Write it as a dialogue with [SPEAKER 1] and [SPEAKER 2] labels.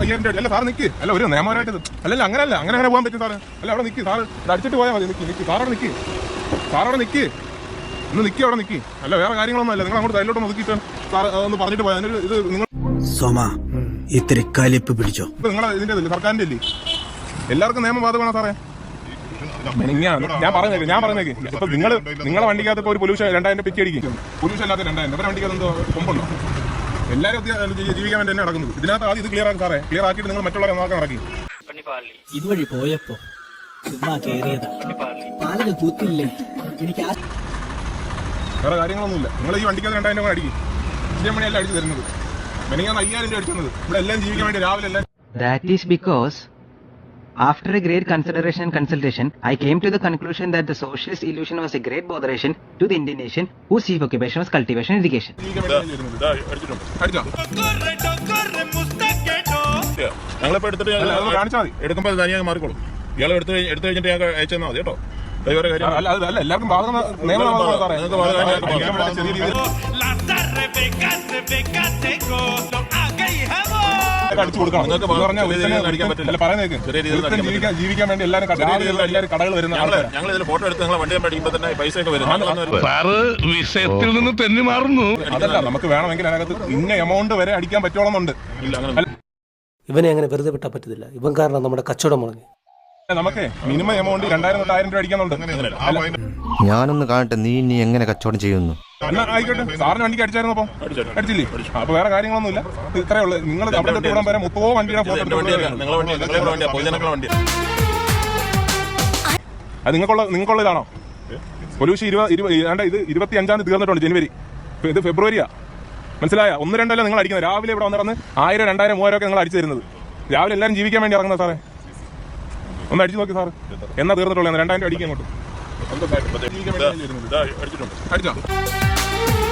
[SPEAKER 1] 5000 രൂപ അല്ല സാർ നിൽക്ക്. അല്ല ഒരു നിയമപരമായിട്ട് അല്ലല്ല അങ്ങനെയല്ല അങ്ങനെ പോകാൻ പറ്റും സാറ്. അല്ല അവിടെ നിൽക്കി സാറ് അടിച്ചിട്ട് പോയാൽ മതി. നിൽക്കി സാറവിടെ നിൽക്കി. സാറവിടെ നിൽക്കി. ഒന്ന് നിൽക്കി അവിടെ നിൽക്കി. അല്ല വേറെ കാര്യങ്ങളൊന്നും അല്ല. നിങ്ങൾ അങ്ങോട്ട് സൈഡിലോട്ട് ഒതുക്കിയിട്ട് സാർ ഒന്ന് പറഞ്ഞിട്ട് പോയാൽ ഇത് നിങ്ങൾ
[SPEAKER 2] ഇത്തിരി കലിപ്പ് പിടിച്ചോ.
[SPEAKER 1] നിങ്ങളെ ഇതിന്റെ സർക്കാരിന്റെ അല്ലേ എല്ലാവർക്കും നിയമം ബാധകമാണോ സാറേ? ഞാൻ പറഞ്ഞേക്ക് ഇപ്പൊ നിങ്ങളെ വണ്ടിക്കകത്ത് ഇപ്പോൾ ഒരു പൊല്യൂഷൻ 2000 പിറ്റി അടിക്കും. പൊല്യൂഷൻ അല്ലാത്ത 2000 ഇവരെ വണ്ടിക്കകത്ത് എന്തോ കൊമ്പുണ്ടോ? എല്ലാവരും ജീവിക്കാൻ വേണ്ടി തന്നെ നടക്കുന്നത്. ഇതിനകത്ത് ആദ്യം ഇത് ക്ലിയർ ആക്കി സാറേ. ക്ലിയർ ആക്കിയിട്ട് നിങ്ങൾ മറ്റുള്ളവരെ നോക്കാൻ ഇറക്കി.
[SPEAKER 2] ഇതുവഴി പോയപ്പോ
[SPEAKER 1] വേറെ കാര്യങ്ങളൊന്നുമില്ല. നിങ്ങൾ ഈ വണ്ടിക്കകത്ത് 2000 രൂപ അടിക്കും. 5 മണിയല്ല അടിച്ചു തരുന്നത്. മെനിങ്ങാന്ന് 5000 രൂപ അടിച്ചത്. ഇവിടെ എല്ലാം ജീവിക്കാൻ വേണ്ടി രാവിലെ എല്ലാം.
[SPEAKER 3] That is because after a great consideration and consultation, I came to the conclusion that the socialist illusion was a great botheration to the Indian nation whose chief occupation was cultivation and irrigation.
[SPEAKER 1] ഞങ്ങളിപ്പോ എടുത്തിട്ട് കാണിച്ചാൽ മതി. എടുക്കുമ്പോൾ തനിയാൽ മാറിക്കോളും. ഇയാൾ എടുത്തു കഴിഞ്ഞിട്ട് ഞാൻ അയച്ചു തന്നാൽ മതി കേട്ടോ. അല്ല എല്ലാവർക്കും ബാധകം നിയമം സാറേ. അടിച്ചു കൊടുക്കണം. ജീവിക്കാൻ വേണ്ടി എല്ലാവരും കടകൾ വരുന്ന ഞങ്ങൾ ഇതിൽ ഫോട്ടോ എടുത്ത് നിങ്ങളെ വണ്ടി അടിക്കുമ്പോൾ തന്നെ പൈസ ഒക്കെ വരും.
[SPEAKER 4] സാറ് വിഷയത്തിൽ നിന്ന് തെന്നി മാറുന്നു.
[SPEAKER 1] അതല്ല നമുക്ക് വേണമെങ്കിൽ അതിനകത്ത് ഇന്ന എമൗണ്ട് വരെ അടിക്കാൻ പറ്റോളന്നുണ്ട്.
[SPEAKER 5] ഇവനെ അങ്ങനെ വെറുതെ വിട്ടാൽ പറ്റത്തില്ല. ഇവൻ കാരണം നമ്മുടെ കച്ചവടം മുടങ്ങി.
[SPEAKER 1] നമുക്ക് മിനിമം എമൗണ്ട് 2000 തൊട്ട് 1000 രൂപ അടിക്കുന്നുണ്ട്.
[SPEAKER 6] ഞാനൊന്ന് കാണട്ടെ നീ ഇനി എങ്ങനെ കച്ചവടം ചെയ്യുന്നു.
[SPEAKER 1] ആയിക്കോട്ടെ. സാറിന് വണ്ടിക്ക് അടിച്ചായിരുന്നു. അപ്പം അടിച്ചില്ലേ? അപ്പൊ വേറെ കാര്യങ്ങളൊന്നും ഇല്ല. ഇത്രേ ഉള്ളൂ. നിങ്ങൾ അവിടെ തൊട്ട് വിടാൻ വരെ 30 വണ്ടിയുടെ ഫോട്ടോ അത് നിങ്ങൾക്കുള്ളതാണോ? പൊല്യൂഷൻ 25-ാം തീയതി തീർന്നിട്ടുണ്ട്. ജനുവരി. ഇത് ഫെബ്രുവരിയാ. മനസ്സിലായ? 1-2 നിങ്ങൾ അടിക്കുന്നത്. രാവിലെ ഇവിടെ വന്നിറന്ന് 1000, 2000, 3000 ഒക്കെ നിങ്ങൾ അടിച്ചു തരുന്നത്. രാവിലെ എല്ലാവരും ജീവിക്കാൻ വേണ്ടി ഇറങ്ങുന്നത് സാറേ. ഒന്ന് അടിച്ചു നോക്കി സാറ്. എന്നാ തീർന്നിട്ടുള്ളത്? 2000 രൂപ അടിക്കാൻ അങ്ങോട്ട്. അടിച്ചോ.